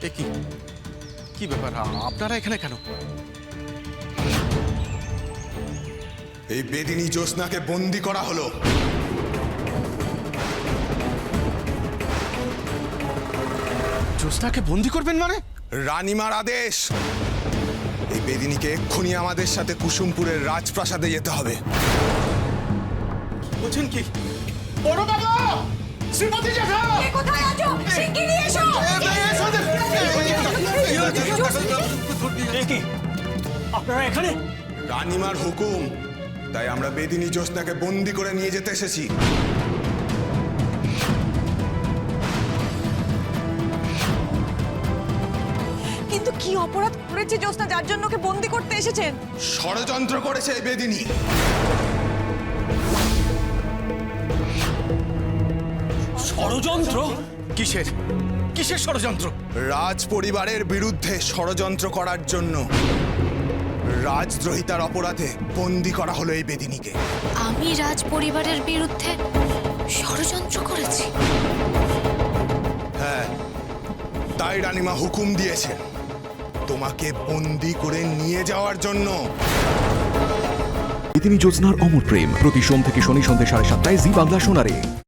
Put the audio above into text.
এ কি কি ব্যাপার? আপনারা এখানে কেন? এই বেদিনী জ্যোৎস্নাকে বন্দি করা হলো। জ্যোৎস্নাকে বন্দি করবেন মানে? রানীমার আদেশ, এই বেদিনীকে এক্ষুনি আমাদের সাথে কুসুমপুরের রাজপ্রাসাদে যেতে হবে। বলছেন কি? বড় বাবা, শ্রীমতী জ্যাঠা, কে কোথায় আছো? শিগগিরই এসো। কি আপনারা এখানে? রানীমার হুকুম, তাই আমরা বেদিনী জ্যোৎস্নাকে বন্দি করে নিয়ে যেতে এসেছি। কিন্তু কি অপরাধ করেছে জ্যোৎস্না যার জন্য ওকে বন্দি করতে এসেছেন? ষড়যন্ত্র করেছে এই বেদিনী। ষড়যন্ত্র? কিসের কিসের ষড়যন্ত্র? রাজ পরিবারের বিরুদ্ধে ষড়যন্ত্র করার জন্য রাজদ্রোহিতার অপরাধে বন্দি করা হলো এই বেদিনীকে। আমি রাজ পরিবারের বিরুদ্ধে ষড়যন্ত্র করেছি? হ্যাঁ, তাই রানীমা হুকুম দিয়েছে তোমাকে বন্দি করে নিয়ে যাওয়ার জন্য। বেদিনী জ্যোৎস্নার অমর প্রেম প্রতি সোম থেকে শনি সন্ধ্যে 7:30টায় জি বাংলা সোনারে।